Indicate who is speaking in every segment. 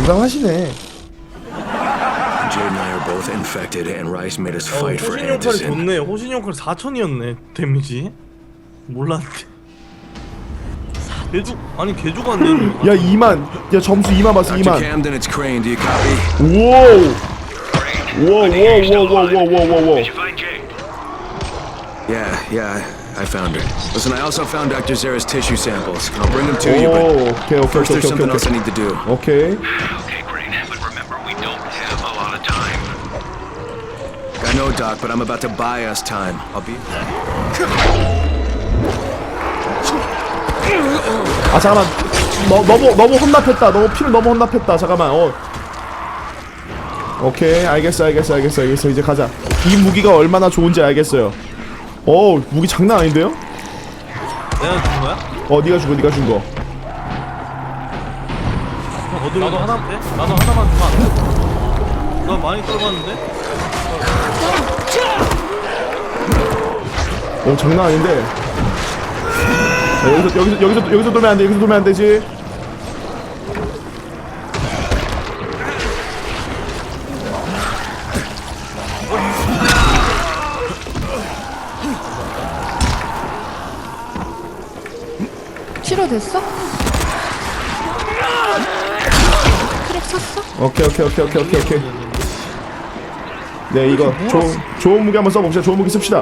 Speaker 1: 건강하시네.
Speaker 2: Jade and I are both infected, and Rice made us fight for
Speaker 3: 호신 역할이
Speaker 2: Anderson.
Speaker 3: 좋네. 호신 역할 4000이었네 데미지. 몰랐네. 개죽 아니 개죽 안 되는 거.
Speaker 1: 야 2만. 야 점수 2만 봤어.
Speaker 2: Dr.
Speaker 1: 2만.
Speaker 2: Camden, it's Crane. Do you copy?
Speaker 1: 우와. 우와.
Speaker 2: Yeah, I found her. Listen, I also found Dr. Zara's tissue samples. I'll bring them to you, but
Speaker 1: 오케이.
Speaker 2: first there's something else I need to do.
Speaker 1: 오케이.
Speaker 4: Okay, Crane, but remember, we don't have a lot of time.
Speaker 2: I know, Doc, but I'm about to buy us time. I'll be...
Speaker 1: 아 잠깐만. 너무 혼납했다. 너무 피를 너무 혼납했다. 잠깐만. 오케이. 알겠어. 이제 가자. 이 무기가 얼마나 좋은지 알겠어요. 무기 장난 아닌데요?
Speaker 3: 내가 준 거야?
Speaker 1: 네가 준 거.
Speaker 3: 나도 하나 돼? 나도 하나만 주면 안 돼? 나 많이 떨었는데?
Speaker 1: 장난 아닌데. 자, 여기서 돌면 안 돼. 여기서 돌면 안 되지.
Speaker 5: 치료됐어? 크랙 쳤어?
Speaker 1: 오케이. 네, 이거 좋은 무기 한번 써봅시다. 좋은 무기 씁시다.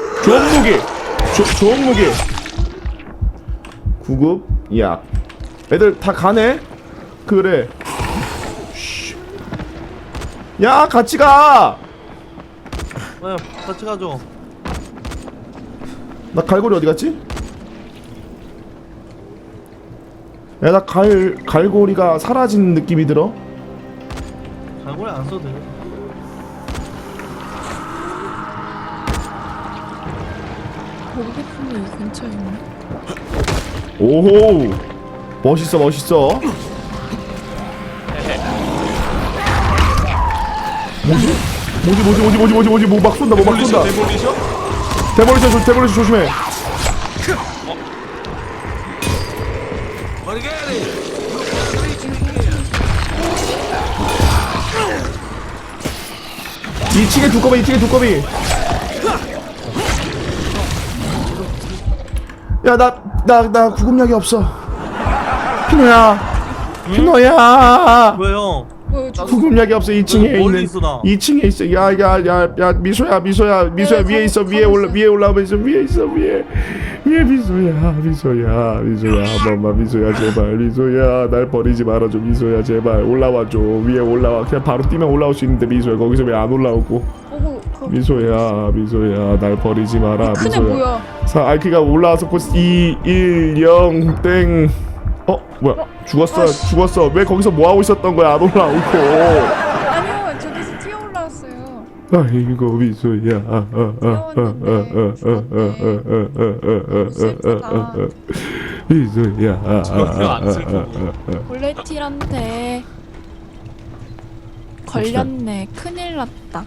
Speaker 1: 좋은 무기. 구급 약. 애들 다 가네. 그래. 야, 같이 가.
Speaker 3: 야 같이 가죠.
Speaker 1: 나 갈고리 어디 갔지? 야, 나 갈고리가 사라진 느낌이 들어.
Speaker 3: 갈고리 안 써도 돼.
Speaker 5: 보급품이 이 근처에 있네.
Speaker 1: 오호. 멋있어. 뭐지? 뭐 막 쏜다.
Speaker 3: 데몰리셔?
Speaker 1: 데몰리션 조심해. 이층에 두꺼비. 야, 나 구급약이 없어. 피노야.
Speaker 3: 왜 형?
Speaker 1: 구급약이 없어. 2층에
Speaker 3: 멀리
Speaker 1: 있는.
Speaker 3: 있어, 나.
Speaker 1: 2층에 있어. 야, 미소야. 위에 있어. 위에 올라오면 있어. 위에 미소야. 한 번만 미소야, 제발. 미소야, 날 버리지 말아줘. 미소야, 제발. 올라와줘. 위에 올라와. 그냥 바로 뛰면 올라올 수 있는데 미소야, 거기서 왜 안 올라오고? 미소야, 날 버리지 마라.
Speaker 5: 큰애 뭐야?
Speaker 1: 알키가 올라와서 2, 1, 0, 땡. 뭐야? 죽었어. 왜 거기서 뭐 하고 있었던 거야? 안 올라오고.
Speaker 5: 아니요, 저기서 뛰어 올라왔어요.
Speaker 1: 아이고 미소야. 미소야.
Speaker 5: 볼레틸한테 걸렸네. 큰일 났다.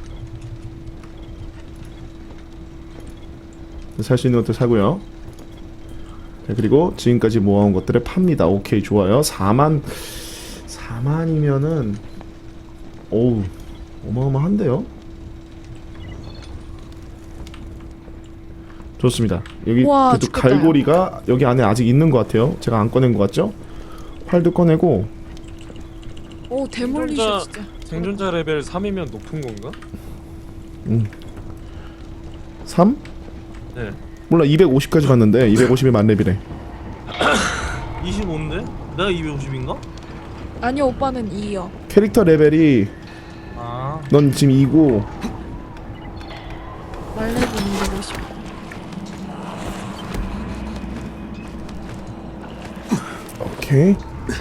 Speaker 1: 살 수 있는 것들 사고요. 자, 그리고 지금까지 모아온 것들을 팝니다. 오케이, 좋아요. 4만이면은 어우, 어마어마한데요. 좋습니다. 여기
Speaker 5: 우와,
Speaker 1: 그래도
Speaker 5: 죽겠다.
Speaker 1: 갈고리가 여기 안에 아직 있는 것 같아요. 제가 안 꺼낸 것 같죠? 활도 꺼내고.
Speaker 5: 오, 데몰리셔 진짜.
Speaker 6: 생존자 레벨 3이면 높은 건가?
Speaker 1: 3?
Speaker 6: 네.
Speaker 1: 몰라, 250까지 갔는데 250이 만렙이래.
Speaker 3: 25인데? 내가 250인가?
Speaker 5: 아니요, 오빠는 2요.
Speaker 1: 캐릭터 레벨이
Speaker 3: 아
Speaker 1: 넌 지금 2고
Speaker 5: 말레는 250.
Speaker 1: 오케이.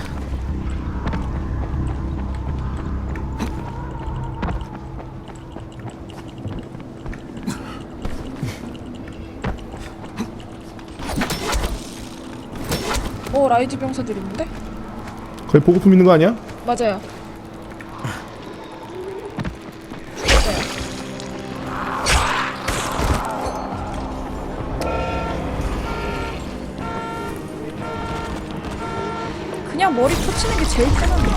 Speaker 5: 오, 라이즈 병사들 있는데?
Speaker 1: 거기 보급품 있는 거 아니야?
Speaker 5: 맞아요. 그냥 그냥 머리 터치는 게 제일 편한데.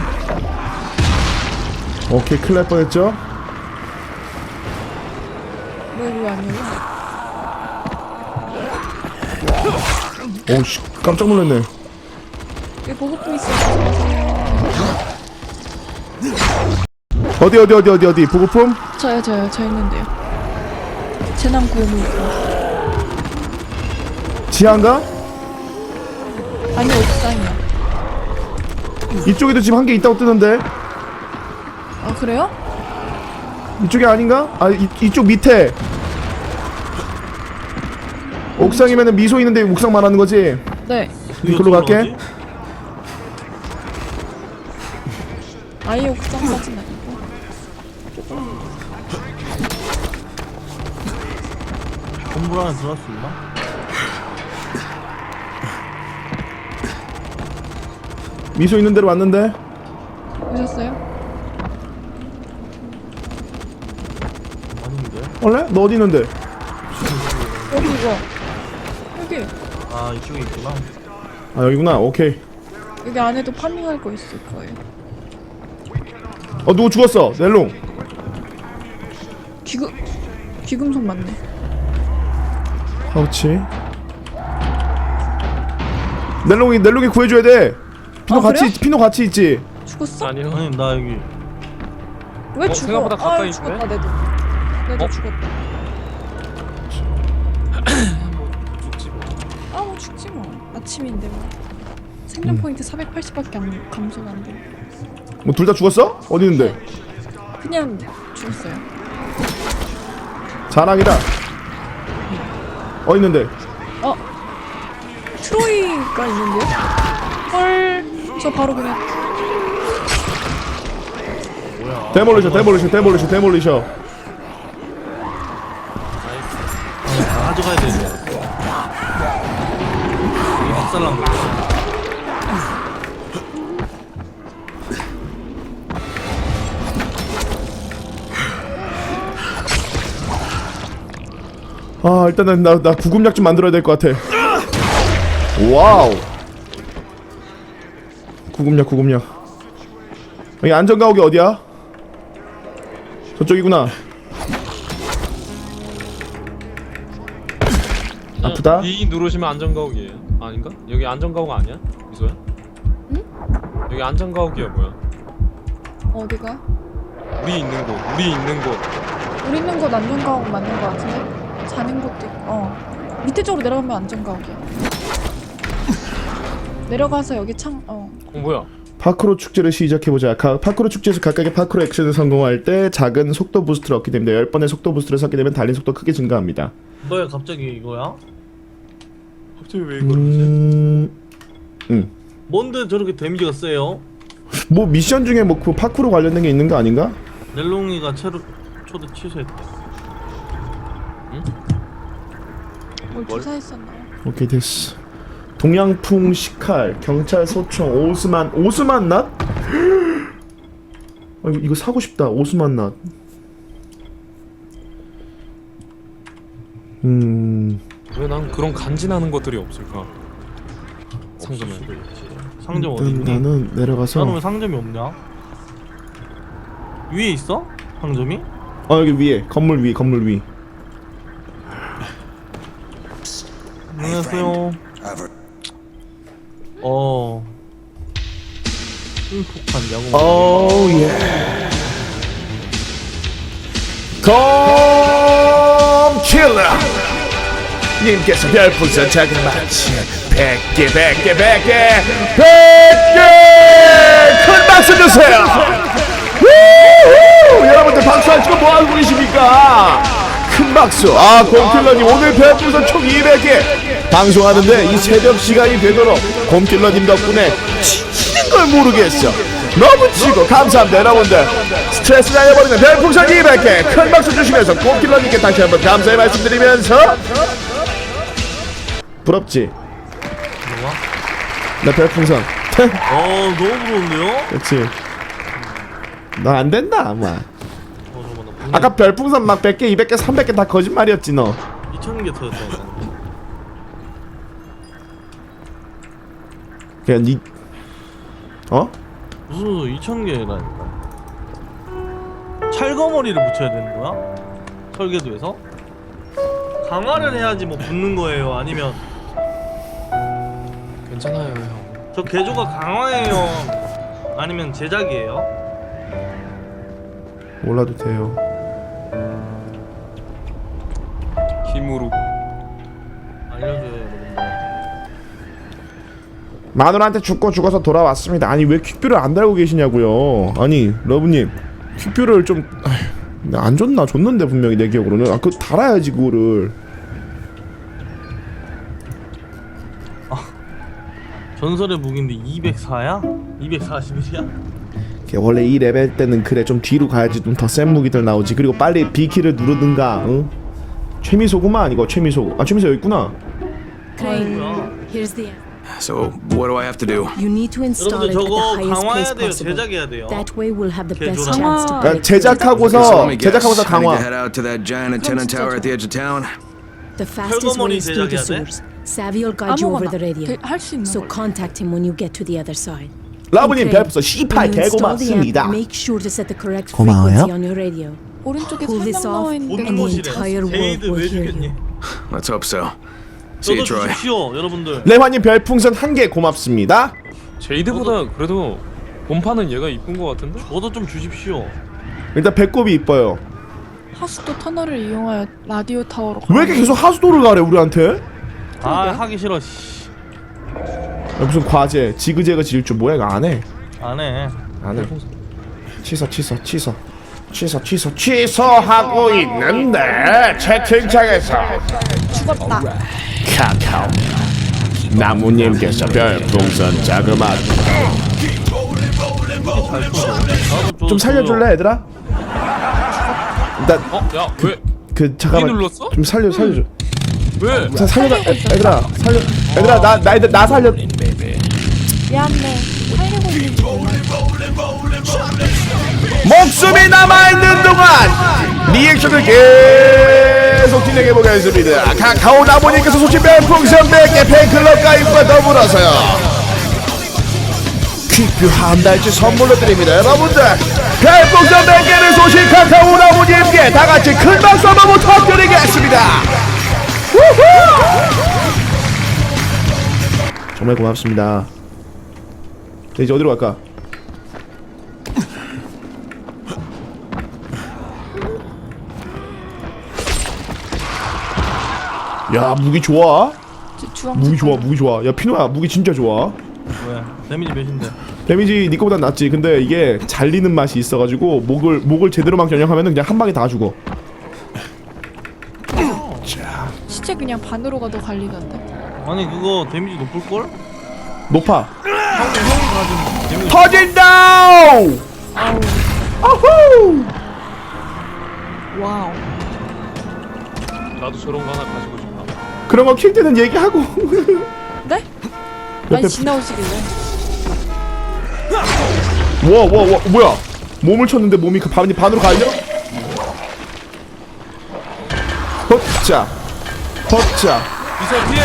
Speaker 1: 오케이, 큰일 날 뻔했죠?
Speaker 5: 왜 아니에요?
Speaker 1: 오우씨, 깜짝 놀랐네.
Speaker 5: 여기 보급품 있어요.
Speaker 1: 어디 보급품?
Speaker 5: 저요 저 있는데요. 재난 구호물.
Speaker 1: 지하인가?
Speaker 5: 아니 옥상이요.
Speaker 1: 이쪽에도 지금 한 개 있다고 뜨는데.
Speaker 5: 아 그래요?
Speaker 1: 이쪽이 아닌가? 아, 이쪽 밑에. 옥상이면은 미소 있는데 옥상 말하는 거지?
Speaker 5: 네.
Speaker 1: 이걸로 갈게.
Speaker 5: 아예 옥상까지는 아니고.
Speaker 3: 건물 안에 들어갈 수 있나?
Speaker 1: 미소 있는 데로 왔는데.
Speaker 5: 오셨어요?
Speaker 3: 아닌데?
Speaker 1: 원래? 너 어디 있는데?
Speaker 5: 여기 이거. 여기.
Speaker 3: 아 이쪽에 있구나.
Speaker 1: 아, 여기구나. 오케이.
Speaker 5: 여기 안에도 파밍할 거 있을 거예요.
Speaker 1: 누구 죽었어? 넬롱.
Speaker 5: 귀금속 맞네.
Speaker 1: 파우치. 넬롱이 구해줘야 돼. 피노
Speaker 5: 아,
Speaker 1: 같이
Speaker 5: 그래요?
Speaker 1: 피노 같이 있지.
Speaker 5: 죽었어?
Speaker 6: 아니요.
Speaker 3: 아니 나 여기
Speaker 5: 왜 죽어?
Speaker 6: 생각보다 가까이
Speaker 5: 아유, 죽었다 내도. 죽었다.
Speaker 6: 죽지 뭐.
Speaker 5: 뭐 죽지 뭐. 아침인데 뭐. 생존 포인트 480밖에 안 감소가 안 돼.
Speaker 1: 뭐 둘 다 죽었어? 어디 있는데?
Speaker 5: 그냥 죽었어요.
Speaker 1: 자랑이다. 어디 있는데?
Speaker 5: 트로이가 있는데요? 헐. 저 바로 그냥
Speaker 1: 데몰리셔.
Speaker 3: 아니 다 가져가야 돼. 이게 박살난 거야.
Speaker 1: 아, 일단은 나 구급약 좀 만들어야 될 것 같아. 와우. 구급약. 여기 안전가옥이 어디야? 저쪽이구나. 아프다?
Speaker 6: B 누르시면 안전가옥이에요. 아닌가? 여기 안전가옥 아니야? 미소야?
Speaker 5: 응?
Speaker 6: 여기 안전가옥이야 뭐야?
Speaker 5: 어디가?
Speaker 6: 우리 있는 곳.
Speaker 5: 우리 있는 곳 안전가옥 맞는 거 같은데? 자는 곳도 있고. 밑에 쪽으로 내려가면 안전가옥이야. 내려가서 여기
Speaker 6: 뭐야?
Speaker 1: 파크로 축제를 시작해보자. 파크로 축제에서 각각의 파크로 액션을 성공할 때 작은 속도 부스트를 얻게 됩니다. 10번의 속도 부스트를 쌓게 되면 달린 속도 크게 증가합니다.
Speaker 3: 너야 갑자기 이거야?
Speaker 6: 갑자기 왜 이러지?
Speaker 3: 뭔데 저렇게 데미지가 세요?
Speaker 1: 뭐 미션 중에 뭐 그 파크로 관련된 게 있는 거 아닌가?
Speaker 3: 넬롱이가 초대 취소했대.
Speaker 5: 뭘 조사했었나요?
Speaker 1: 오케이 됐어. 동양풍 시칼 경찰 소총 오스만 낫? 아, 이거 사고 싶다. 오스만 낫.
Speaker 6: 왜 난 그런 간지나는 것들이 없을까? 상점에.
Speaker 3: 상점 어디
Speaker 1: 일단
Speaker 3: 있니?
Speaker 1: 나는 내려가서.
Speaker 3: 나는 왜 상점이 없냐? 위에 있어? 상점이?
Speaker 1: 여기 위에 건물 위.
Speaker 3: 안녕하세요. 폭탄 야구.
Speaker 1: 오 예. 컴킬러 님께서 별풍선 작은 마치 100개 큰 박수 주세요. 우후! 여러분들 박수 안 치고 뭐 하고 계십니까? 큰 박수. 곰킬러님 오늘 별풍선 총 200개 방송하는데 이 새벽 시간이 되도록 곰킬러님 덕분에 치는 걸 모르겠어. 너무 치고 감사합니다. 여러분들 스트레스 날려버리는 별풍선 200개 큰 박수 주시면서 곰킬러님께 다시 한번 감사의 말씀드리면서 부럽지?
Speaker 3: 뭐야?
Speaker 1: 나 별풍선
Speaker 3: 너무 부러운데요?
Speaker 1: 그렇지. 너 안 된다 아마.
Speaker 3: 잠깐만 나
Speaker 1: 아까 별풍선 막 100개 200개 300개 다 거짓말이었지 너.
Speaker 3: 2,000개 터졌다.
Speaker 1: 그냥 니 어?
Speaker 3: 무슨 2,000개라니까. 찰거머리를 붙여야 되는 거야? 설계도에서? 강화를 해야지 뭐 붙는 거예요? 아니면
Speaker 6: 괜찮아요 형.
Speaker 3: 저 개조가 강화예요? 아니면 제작이에요?
Speaker 1: 몰라도 돼요.
Speaker 6: 힘으로.
Speaker 3: 알려줘요 여러분들.
Speaker 1: 마누라한테 죽어서 돌아왔습니다. 아니 왜 퀵뷰를 안 달고 계시냐고요. 아니 러브님 퀵뷰를 좀 안 줬나? 줬는데 분명히 내 기억으로는. 아 그거 달아야지 그거를.
Speaker 3: 전설의 무기인데 204야? 241이야?
Speaker 1: 원래 이 레벨 때는 그래 좀 뒤로 가야지 좀 더 센 무기들 나오지. 그리고 빨리 B키를 누르든가. 응? 최미소구만 이거 최미소. 아 최미소 여기 있구나.
Speaker 7: Crane, here's the.
Speaker 2: So, what do I have to do?
Speaker 7: You need to install
Speaker 3: 여러분들
Speaker 7: it at the
Speaker 3: 저거
Speaker 7: highest
Speaker 3: 강화해야
Speaker 7: place
Speaker 3: 돼요.
Speaker 7: possible.
Speaker 3: 제작해야 돼요.
Speaker 7: That way we'll have the best
Speaker 3: 개조랑.
Speaker 7: chance to
Speaker 5: 강화.
Speaker 7: break through.
Speaker 2: Okay, so let
Speaker 1: 제작하고서
Speaker 2: me guess.
Speaker 1: 제작하고서
Speaker 2: I need to
Speaker 1: 강화.
Speaker 2: head out to that giant antenna tower at the edge of town.
Speaker 7: The fastest way is through the
Speaker 3: 제작해야 돼?
Speaker 7: sewers. Savvy will guide you over
Speaker 5: 아무거나
Speaker 7: the radio.
Speaker 5: 할수 있는
Speaker 7: So
Speaker 5: 걸로.
Speaker 7: contact him when you get to the other side.
Speaker 1: 러브님
Speaker 7: Okay,
Speaker 1: 별풍선 18
Speaker 7: when you install the
Speaker 1: 개고맙습니다.
Speaker 7: app, make sure to set the correct
Speaker 1: 고마워요.
Speaker 7: frequency on your radio.
Speaker 5: 오른쪽에
Speaker 7: Pull this
Speaker 5: 설명 나와
Speaker 7: off
Speaker 5: 있는데
Speaker 7: and the
Speaker 3: 곳곳이래.
Speaker 7: entire world
Speaker 3: 제이드
Speaker 7: will
Speaker 3: 왜
Speaker 7: hear
Speaker 3: 죽겠니?
Speaker 7: you.
Speaker 2: Let's hope so. See you,
Speaker 3: 저도
Speaker 2: Troy.
Speaker 3: 주십시오 여러분들.
Speaker 1: 레화님 별풍선 1개 고맙습니다.
Speaker 6: 제이드보다 그래도 본판은 얘가 이쁜 거 같은데?
Speaker 3: 저도 좀 주십시오.
Speaker 1: 일단 배꼽이 이뻐요.
Speaker 5: 하수도 터널을 이용하여 라디오 타워로
Speaker 1: 왜 이렇게 계속 하수도를 가래 우리한테?
Speaker 3: 아 하기 싫어. 씨.
Speaker 1: 야, 무슨 과제 지그재그 지을 줄 뭐야 이거 안 해.
Speaker 3: 안 해.
Speaker 1: 안 해. 취소하고 있는데 채팅창에서
Speaker 5: 죽었다.
Speaker 1: 카카오 나무님께서 별풍선 자그마한 좀 살려줄래 얘들아? 일단
Speaker 6: 어? 야 왜?
Speaker 1: 그 잠깐만
Speaker 6: 눌렀어?
Speaker 1: 좀 살려줘.
Speaker 6: 왜?
Speaker 1: 살려라 얘들아 살려 얘들아 나 살려.
Speaker 5: 미안해. 살리고 있는지 몰라.
Speaker 1: 목숨이 남아있는 동안 리액션을 계속 진행해 보겠습니다. 카카오 나무님께서 소신 별풍선 100개 팬클럽 가입과 더불어서요 퀵뷰 한 달치 선물로 드립니다. 여러분들 별풍선 100개를 소신 카카오 나무님께 다같이 큰 박수 한번 부탁드리겠습니다. 우후! 정말 고맙습니다. 이제 어디로 갈까? 야 무기 좋아. 무기 좋아. 야 피노야 무기 진짜 좋아.
Speaker 3: 왜? 데미지 몇인데?
Speaker 1: 데미지 니 거보단 낫지. 근데 이게 잘리는 맛이 있어가지고 목을 제대로만 겨냥하면은 그냥 한 방에 다 죽어.
Speaker 5: 시체 그냥 반으로 가도 갈리던데.
Speaker 3: 아니 그거 데미지 높을 걸?
Speaker 1: 높아.
Speaker 3: 형이 가진 데미지.
Speaker 1: 터진다. 아후.
Speaker 5: 와우.
Speaker 6: 나도 저런 거 하나 가지고 싶다.
Speaker 1: 그런 거 킬 때는 얘기하고.
Speaker 5: 네? 많이 지나오시길래.
Speaker 1: 와 뭐야? 몸을 쳤는데 몸이 그 반으로 갈려? 헛자.
Speaker 6: 이사 피해!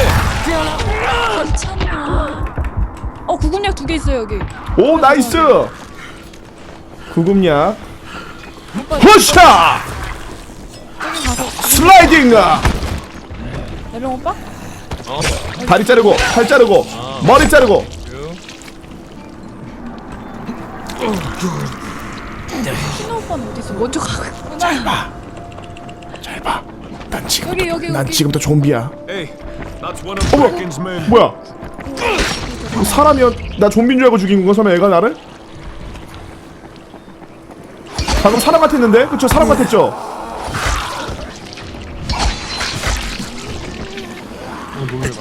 Speaker 5: 괜찮아. 구급약 2개 있어요 여기.
Speaker 1: 오 나이스. 구급약. 헛자. 슬라이딩.
Speaker 5: 내려 오빠?
Speaker 1: 다리 자르고 팔 자르고 머리 자르고.
Speaker 5: 신호 오빠는 어디 있어? 먼저 가겠구나.
Speaker 1: 잘 봐.
Speaker 5: 여기.
Speaker 1: 난 지금부터 좀비야.
Speaker 2: Hey, that's one of
Speaker 1: 어머,
Speaker 2: Birkin's men.
Speaker 1: 뭐야? 사람이야? 나 좀비인 줄 알고 죽인 건가? 설마 애가 나를? 방금 사람 같았는데? 그쵸? 사람 같았죠?
Speaker 3: 놀래라.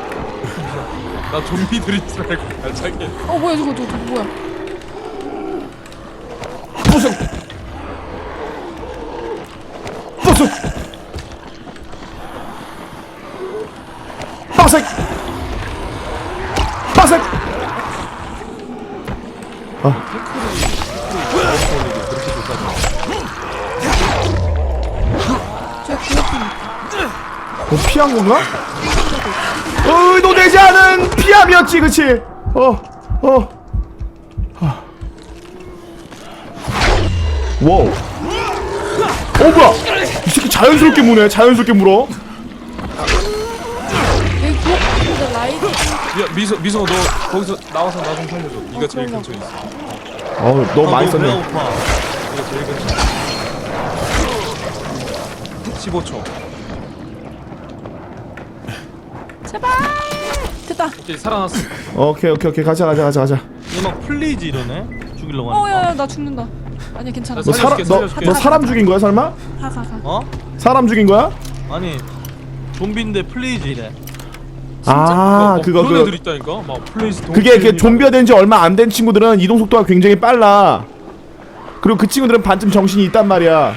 Speaker 6: 나 좀비들인 줄 알고 발차기.
Speaker 5: 뭐야 저거 뭐야?
Speaker 1: 부승! 빠색! 피한 건가? 의도되지 않은 피함이었지, 그치? 와우. 뭐야? 이 새끼 자연스럽게 무네. 자연스럽게 물어.
Speaker 5: 여기 구호pun인데 라이트.
Speaker 6: 야 미소 너 거기서 나와서 나 좀 살려줘. 네가 제일
Speaker 5: 그럼요.
Speaker 6: 근처에 있어.
Speaker 1: 너무 많이 썼네.
Speaker 3: 배고파.
Speaker 6: 네가 제일 근처. 15초.
Speaker 5: 제발. 됐다.
Speaker 6: 오케이 살아났어.
Speaker 1: 오케이. 가자.
Speaker 3: 얘 막 플리즈 이러네. 죽이려고 하니까.
Speaker 5: 야야 나 죽는다. 아니야 괜찮아.
Speaker 1: 너
Speaker 6: 살려줄게.
Speaker 1: 너 사람 죽인 거야 설마?
Speaker 5: 가.
Speaker 3: 어?
Speaker 1: 사람 죽인 거야?
Speaker 3: 아니 좀비인데 플리즈 이래.
Speaker 1: 그거
Speaker 6: 그런 애들 있다니까. 막 플레이스
Speaker 1: 그게 이렇게 좀비가 된 지 얼마 안 된 친구들은 이동 속도가 굉장히 빨라. 그리고 그 친구들은 반쯤 정신이 있단 말이야.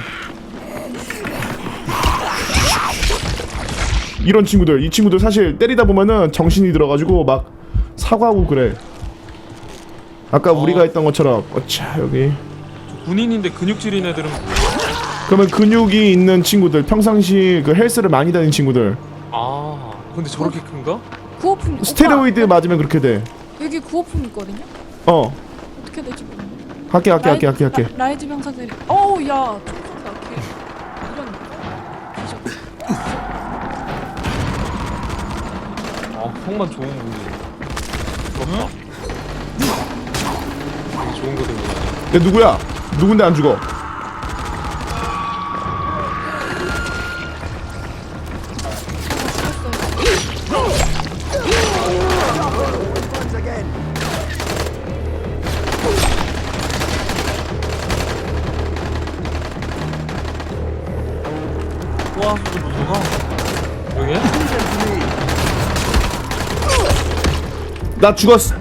Speaker 1: 이런 친구들, 이 친구들 사실 때리다 보면은 정신이 들어가지고 막 사과하고 그래. 아까 우리가 했던 것처럼 어차 여기.
Speaker 6: 군인인데 근육질인 애들은
Speaker 1: 그러면 근육이 있는 친구들, 평상시 그 헬스를 많이 다니는 친구들.
Speaker 6: 근데 저렇게 큰가?
Speaker 5: 구호품.
Speaker 1: 스테로이드 맞으면 그렇게 돼.
Speaker 5: 여기 구호품 있거든요. 어떻게 될지 모르겠네.
Speaker 1: 할게.
Speaker 5: 라이즈 병사들이. 어우 야 총소리 나게. 이런.
Speaker 6: 형만 좋은 분이. 부럽다. 되게 좋은 거 들고 다녀.
Speaker 1: 얘 누구야? 누군데 안 죽어?
Speaker 3: 와 진짜 무서워.
Speaker 6: 여기야?
Speaker 1: 나 죽었어.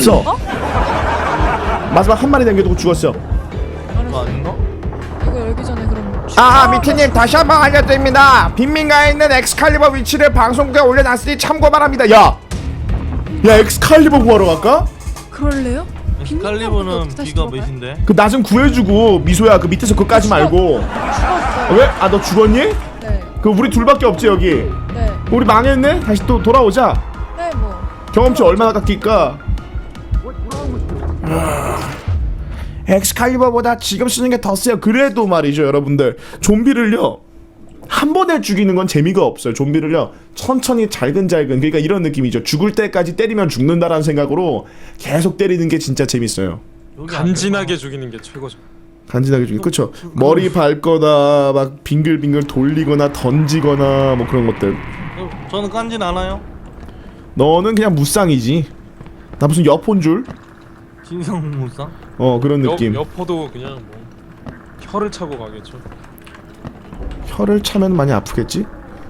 Speaker 1: 마지막 한 마리 남겨두고 죽었어.
Speaker 3: 그거 아닌가?
Speaker 5: 이거 열기 전에 그럼.
Speaker 1: 미트님 다시 한번 알려드립니다. 빈민가에 있는 엑스칼리버 위치를 방송국에 올려놨으니 참고 바랍니다. 야 엑스칼리버 구하러 갈까?
Speaker 5: 그럴래요?
Speaker 3: 엑스칼리버는
Speaker 5: 다시
Speaker 3: 비가
Speaker 5: 들어가요?
Speaker 3: 몇인데?
Speaker 1: 그 나 좀 구해주고 미소야 그 밑에서 그거까지 말고.
Speaker 5: 죽었어요.
Speaker 1: 왜? 너 죽었니?
Speaker 5: 네.
Speaker 1: 그 우리 둘밖에 없지 여기.
Speaker 5: 네.
Speaker 1: 우리 망했네. 다시 또 돌아오자.
Speaker 5: 네 뭐.
Speaker 1: 경험치 얼마나 깎일까? 엑스칼리버보다 지금 쓰는 게 더 세요. 그래도 말이죠 여러분들, 좀비를요 한 번에 죽이는 건 재미가 없어요. 좀비를요 천천히 잘근잘근, 그러니까 이런 느낌이죠. 죽을 때까지 때리면 죽는다라는 생각으로 계속 때리는 게 진짜 재밌어요.
Speaker 3: 여기 안
Speaker 6: 간지나게 죽이는 게 최고죠.
Speaker 1: 간지나게 죽이. 그쵸. 머리 밟거나 막 빙글빙글 돌리거나 던지거나 뭐 그런 것들.
Speaker 3: 저는 깐진 않아요.
Speaker 1: 너는 그냥 무쌍이지. 나 무슨 여폰 줄?
Speaker 3: 진성무쌍?
Speaker 1: 그런 느낌.
Speaker 6: 여포도 그냥 뭐 혀를 차고 가겠죠.
Speaker 1: 혀를 차면 많이 아프겠지?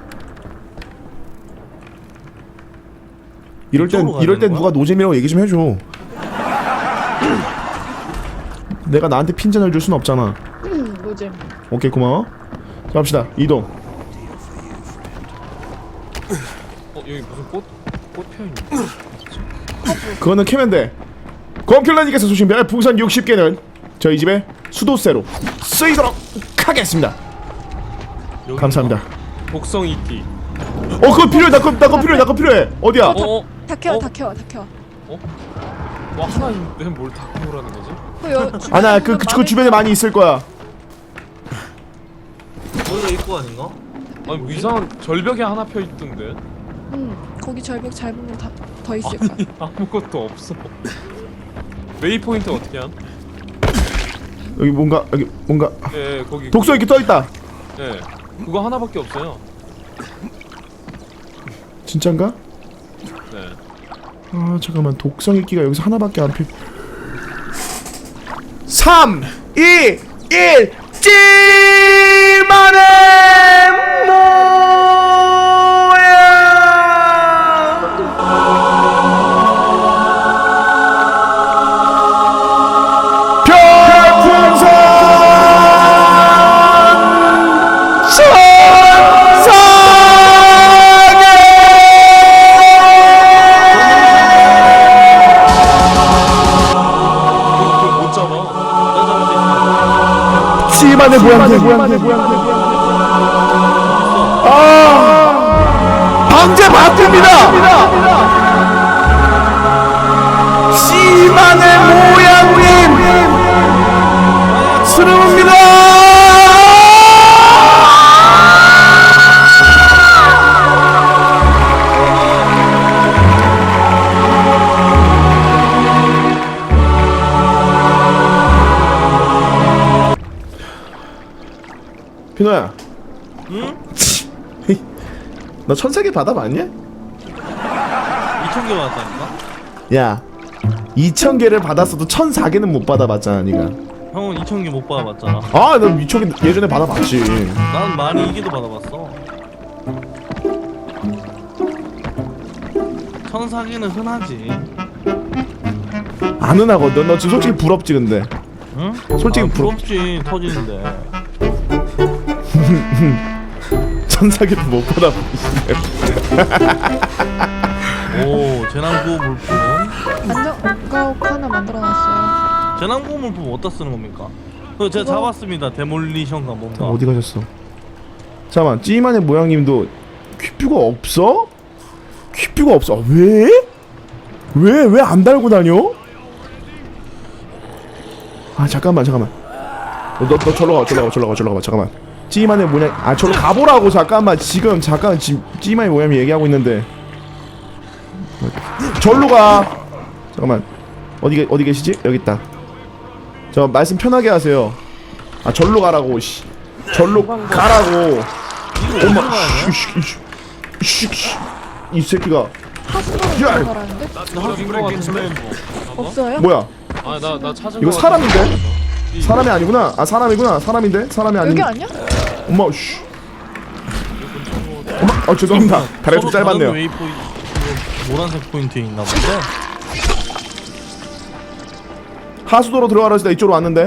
Speaker 1: 이럴 땐
Speaker 3: 이쪽으로 가야 되는
Speaker 1: 누가 노잼이라고 얘기 좀 해줘. 내가 나한테 핀잔을 줄 순 없잖아.
Speaker 5: 노잼.
Speaker 1: 오케이 고마워. 자 갑시다. 이동.
Speaker 6: 여기 무슨 꽃 펴있네.
Speaker 1: 그거는 캐면 돼. 검킬러님께서 소신별 풍선 60개는 저희 집에 수도세로 쓰이도록 하겠습니다.
Speaker 3: 여기
Speaker 1: 감사합니다.
Speaker 6: 독성 이끼.
Speaker 1: 그거 필요해. 나 그거 필요해. 어디야?
Speaker 5: 다 켜와.
Speaker 6: 와 하나 있는데 뭘 다 키우라는 거지?
Speaker 1: 아나 그 주변에 많이 있을 거야.
Speaker 3: 여기가 입구 아닌가?
Speaker 6: 아니 뭐 이상한 절벽에 하나 펴 있던데.
Speaker 5: 거기 절벽 잘 보면 다 더 있을 거야.
Speaker 6: 아니 아무것도 없어. 웨이 포인트 어떻게 함?
Speaker 1: 여기 뭔가
Speaker 6: 예 거기
Speaker 1: 독서 이렇게 떠 있다.
Speaker 6: 예 그거 하나밖에 없어요.
Speaker 1: 진짠가?
Speaker 6: 네.
Speaker 1: 잠깐만. 독성 읽기가 여기서 하나밖에 안 피. 3, 2, 1 찌만의 시만의 모양새. 방제 바뀝니다. 시만의 모양님 스름입니다. 피노야.
Speaker 3: 응?
Speaker 1: 너 1000개 받아봤냐?
Speaker 3: 2,000개 받았다니까?
Speaker 1: 야 2000개를 받았어도 1004개는 못 받아봤잖아 니가.
Speaker 3: 형은 2,000개 못 받아봤잖아.
Speaker 1: 아, 나 2000개 예전에 받아봤지.
Speaker 3: 난 많이 이기도 받아봤어. 1,004개는 흔하지.
Speaker 1: 안 흔하거든. 너 지금 솔직히 부럽지 근데.
Speaker 3: 응?
Speaker 1: 솔직히
Speaker 3: 부럽지 터지는데.
Speaker 1: 1004개도 못 받아봤지.
Speaker 3: 오 재난구호 물품.
Speaker 5: 안정가옥 하나 만들어놨어요.
Speaker 3: 재난구호 물품 어디다 쓰는 겁니까? 그거 제가
Speaker 5: 그거-
Speaker 3: 잡았습니다. 데몰리션가 뭔가.
Speaker 1: 어디 가셨어? 잠깐만, 찌만의 모양님도 퀴뷰가 없어? 퀴뷰가 없어. 왜? 왜 안 달고 다녀? 아 잠깐만. 너 절로 가. 잠깐만. 찌만의 모양. 아 절로 가보라고. 잠깐만 지금 찌만의 모양이 얘기하고 있는데. 절로 가. 잠깐만. 어디 계시지? 여기 있다. 저 말씀 편하게 하세요. 아 절로 가라고. 씨. 절로 가라고.
Speaker 3: 이거 어디로 가야 돼?
Speaker 1: 이 새끼가
Speaker 5: 하수도로
Speaker 1: 야!
Speaker 5: 들어가라는데?
Speaker 6: 저긴 거 같은데.
Speaker 5: 없어요?
Speaker 1: 뭐야?
Speaker 6: 아나 찾은
Speaker 1: 이거
Speaker 6: 거
Speaker 1: 사람인데?
Speaker 6: 같은데.
Speaker 1: 사람이 아니구나. 아 사람이구나. 사람인데? 사람이 아닌.
Speaker 5: 여기 아니야?
Speaker 1: 엄마 씨. 엄마 죄송합니다. 다리가 좀
Speaker 3: 서로 다른
Speaker 1: 짧았네요.
Speaker 3: 웨이포인트, 노란색 포인트에 있나 본데?
Speaker 1: 하수도로 들어가라 했을 때 이쪽으로 왔는데.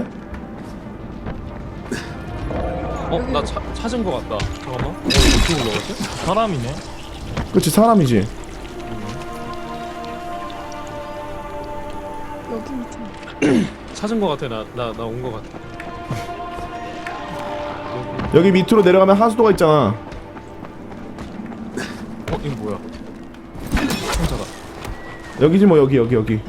Speaker 6: 나 찾은 거 같다. 잠깐만. 어떻게 올라갔지?
Speaker 3: 사람이네.
Speaker 1: 그렇지 사람이지.
Speaker 5: 여기 밑에.
Speaker 6: 찾은 거 같아. 나 온 거 같아.
Speaker 1: 여기 밑으로 내려가면 하수도가 있잖아.
Speaker 6: 이거 뭐야?
Speaker 1: 여기지 뭐 여기.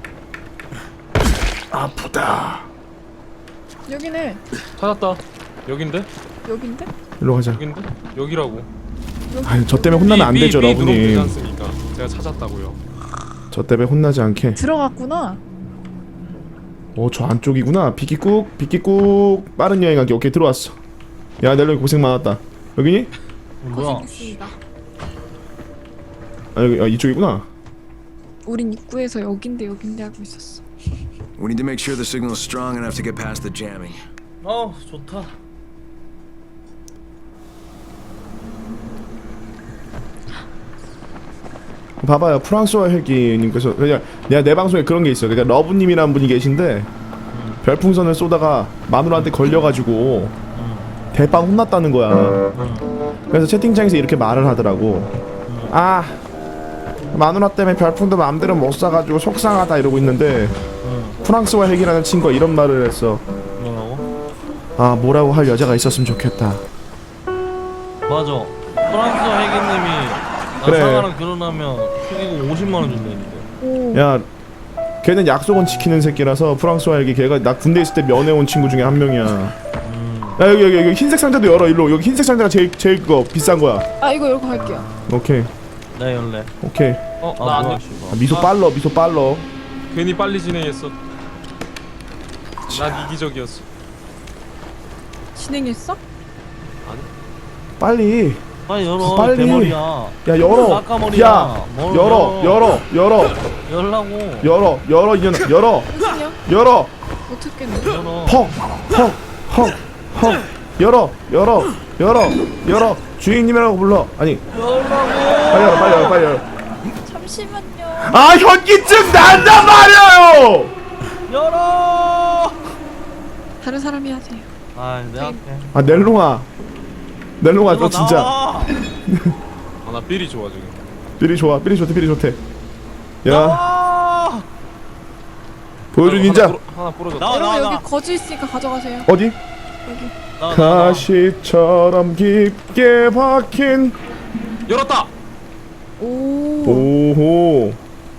Speaker 1: 아프다.
Speaker 5: 여기네.
Speaker 6: 찾았다. 여긴데?
Speaker 5: 여긴데?
Speaker 1: 일로 가자.
Speaker 6: 여긴데? 여기라고.
Speaker 1: 아유 저 때문에 혼나면 안 되죠,
Speaker 6: 누르면 되지
Speaker 1: 러브님.
Speaker 6: 않습니까? 제가 찾았다고요.
Speaker 1: 저 때문에 혼나지 않게.
Speaker 5: 들어갔구나.
Speaker 1: 저 안쪽이구나. 비키꾹 빠른 여행하기. 오케이 들어왔어. 야 넬로 고생 많았다. 여기니?
Speaker 3: 뭐야?
Speaker 5: 고생했습니다.
Speaker 1: 아 여기 이쪽이구나.
Speaker 5: 우린 입구에서 여긴데 하고 있었어.
Speaker 2: We need to make sure the signal is strong enough to get past the jamming.
Speaker 3: 좋다.
Speaker 1: 봐봐요. 프랑스와 헬기님께서 그냥 내가 내 방송에 그런 게 있어. 그러니까 러브님이라는 분이 계신데 별풍선을 쏘다가 마누라한테 걸려가지고 대빵 혼났다는 거야. 그래서 채팅창에서 이렇게 말을 하더라고. 아 마누라 때문에 별풍도 마음대로 못 쏴가지고 속상하다 이러고 있는데 프랑스와 헬기라는 친구가 이런 말을 했어.
Speaker 3: 뭐라고?
Speaker 1: 아 뭐라고 할 여자가 있었으면 좋겠다.
Speaker 3: 맞아. 프랑스 회계님이
Speaker 1: 그래.
Speaker 3: 나사가랑 결혼하면 축의금 50만 원 준다는데.
Speaker 5: 오.
Speaker 1: 야 걔는 약속은 지키는 새끼라서 프랑스와 헬기 걔가 나 군대 있을 때 면회온 친구 중에 한 명이야. 야 여기 흰색 상자도 열어. 일로. 여기 흰색 상자가 제일 그거 비싼 거야.
Speaker 5: 아 이거 열고 갈게요.
Speaker 1: 오케이
Speaker 3: 나 열래.
Speaker 1: 오케이.
Speaker 6: 나 안
Speaker 3: 뭐야,
Speaker 6: 돼.
Speaker 3: 씨발.
Speaker 1: 아, 미소 빨러.
Speaker 6: 괜히 빨리 진행했어. 난 이기적이었어.
Speaker 5: 진행했어?
Speaker 1: 빨리.
Speaker 3: 빨리 열어.
Speaker 1: 빨리.
Speaker 3: 대머리야.
Speaker 1: 야 열어.
Speaker 3: 아까머리야.
Speaker 1: 야
Speaker 3: 뭘 열라고.
Speaker 1: 열어 이년아 열어.
Speaker 5: 무슨요?
Speaker 1: 열어.
Speaker 5: 못 찾겠네.
Speaker 3: 열어.
Speaker 1: 헉 열어. 주인님이라고 불러. 아니
Speaker 3: 열라고.
Speaker 1: 빨리 열어.
Speaker 5: 잠시만요.
Speaker 1: 아 현기증 난단 말이에요.
Speaker 3: 열어.
Speaker 5: 다른 사람이 하세요.
Speaker 3: 아, 내가 할게.
Speaker 1: 아 넬롱아 너 진짜
Speaker 3: 나와.
Speaker 6: 나 삘이 좋아 지금.
Speaker 1: 삘이 좋대. 야
Speaker 3: 나와.
Speaker 1: 보여줘 닌자.
Speaker 6: 하나 부러졌다.
Speaker 3: 나와,
Speaker 5: 여러분
Speaker 3: 나와.
Speaker 5: 여기 거즈 있으니까 가져가세요.
Speaker 1: 어디?
Speaker 5: 여기.
Speaker 3: 나와.
Speaker 1: 가시처럼 깊게 박힌.
Speaker 6: 열었다.
Speaker 5: 오.
Speaker 1: 오호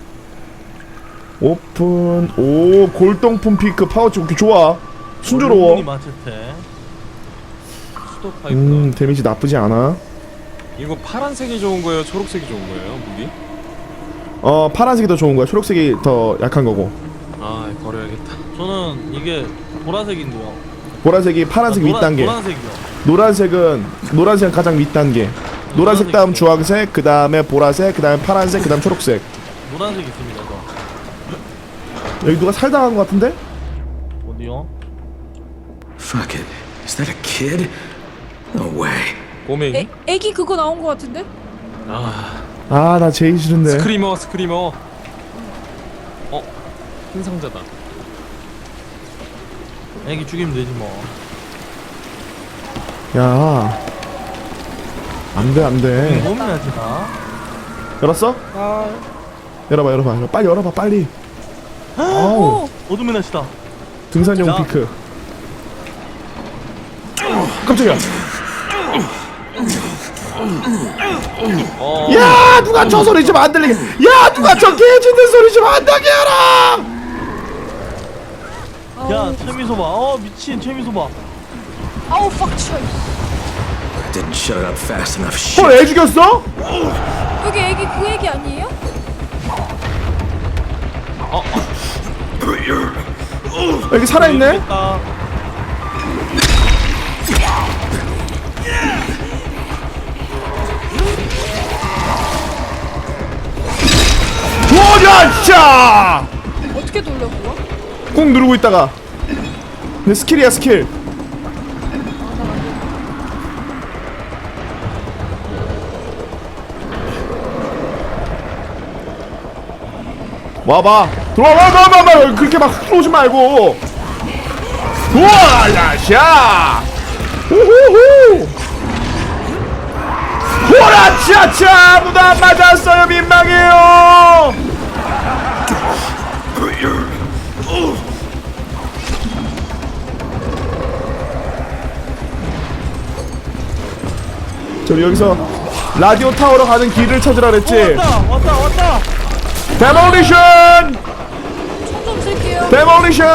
Speaker 1: 오픈. 오 골동품 피크 파우치. 오케이 좋아. 순조로워.
Speaker 3: 마체테.
Speaker 6: 수도 파이프다.
Speaker 1: 데미지 나쁘지 않아.
Speaker 6: 이거 파란색이 좋은 거예요? 초록색이 좋은 거예요? 무기?
Speaker 1: 파란색이 더 좋은 거야. 초록색이 더 약한 거고.
Speaker 6: 아 버려야겠다.
Speaker 3: 저는 이게 보라색인데요.
Speaker 1: 보라색이 파란색 윗단계.
Speaker 3: 노란색이요.
Speaker 1: 노란색은 가장 윗단계. 노란색 다음 주황색, 그 다음에 보라색, 그 다음에 파란색, 그 다음 초록색.
Speaker 3: 노란색 있습니다. 저.
Speaker 1: 여기 누가 살당한 것 같은데?
Speaker 3: 어디요?
Speaker 2: Fuck it. Is that a kid? No way.
Speaker 6: 꼬맹이?
Speaker 5: 애기 그거 나온 거 같은데?
Speaker 1: 아, 나 제일 싫은데.
Speaker 6: 스크리머 스크리머. 흰 상자다.
Speaker 3: 애기 죽이면 되지 뭐.
Speaker 1: 야, 안돼 안돼.
Speaker 3: 몸이야지 나.
Speaker 1: 열었어? 열어봐. 빨리 열어봐 빨리. 아우,
Speaker 3: 어둠의 날씨다.
Speaker 1: 등산용
Speaker 3: 자.
Speaker 1: 피크. 깜짝이야. 야, 누가 저 소리 좀 안 들리게. 야, 누가 저 개짖는 소리 좀 안 나게 하라.
Speaker 3: 야 최미소 봐. 미친 최미소 봐.
Speaker 5: 아우 팍 쳐.
Speaker 2: Didn't shut it up fast enough. Shit.
Speaker 1: 헐, 애 죽였어?
Speaker 5: 여기 애기 그 애기 아니에요?
Speaker 1: 여기 살아있네?
Speaker 3: 됐다.
Speaker 1: 도전차!
Speaker 5: 어떻게 돌려 그거?
Speaker 1: 꾹 누르고 있다가. 내 스킬이야 스킬. 와봐. 들어와. 그렇게 막 훑어오지 말고. 우와, 야샤. 우후후. 호라차차. 아무도 안 맞았어요. 민망해요. 저기 여기서 라디오 타워로 가는 길을 찾으라 그랬지.
Speaker 3: 왔다.
Speaker 1: 데몰리션!
Speaker 5: 총좀 쓸게요.
Speaker 1: 데몰리션!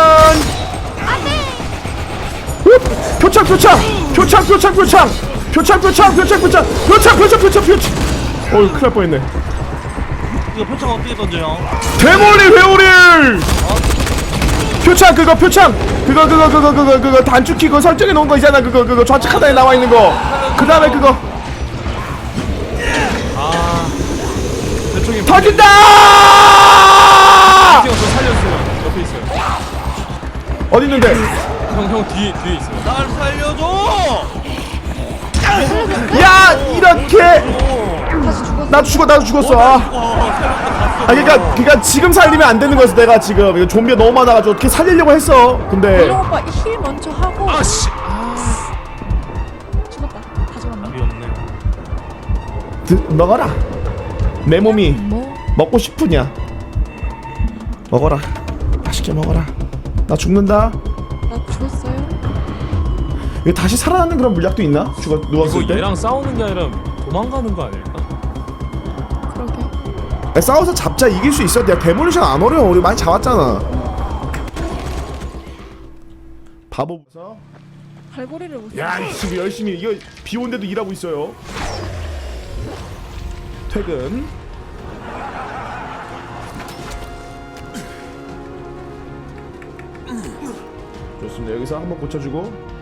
Speaker 1: 표창! 어이, 큰일 날 뻔했네.
Speaker 3: 이거 표창 어떻게 던져요?
Speaker 1: 데몰리 회오릴! 표창 그거 단축키 그거 설정해 놓은 거 있잖아. 그거 좌측 하단에 나와 있는 거. 그 다음에 그거
Speaker 6: 대충이
Speaker 1: 터진다!
Speaker 6: 저 살려주세요. 옆에 있어요.
Speaker 1: 어디 있는데?
Speaker 6: 형 뒤에 있어요.
Speaker 3: 날 살려줘!
Speaker 1: 야, 이렇게
Speaker 5: 다시 죽었어.
Speaker 1: 나도 죽었어. 그러니까 지금 살리면 안 되는 거였어. 내가 지금 이거 좀비가 너무 많아가지고 어떻게 살리려고 했어. 근데
Speaker 5: 이런 오빠 힐 먼저 하고.
Speaker 6: 아씨.
Speaker 5: 죽었다. 다 죽었네.
Speaker 3: 답이 없네.
Speaker 1: 먹어라. 내 몸이
Speaker 5: 뭐?
Speaker 1: 먹고 싶으냐? 먹어라. 맛있게 먹어라. 나 죽는다.
Speaker 5: 나 죽었어요?
Speaker 1: 이거 다시 살아나는 그런 물약도 있나? 누웠을
Speaker 6: 이거
Speaker 1: 때?
Speaker 6: 얘랑 싸우는 게 아니라 도망가는 거 아닐까?
Speaker 5: 그러게.
Speaker 1: 싸워서 잡자. 이길 수 있어. 내가 데몰리션 안 어려워. 우리 많이 잡았잖아. 바보.
Speaker 5: 갈고리를 못.
Speaker 1: 야, 지금 열심히 이거 비 온데도 일하고 있어요. 퇴근. 좋습니다. 여기서 한번 고쳐주고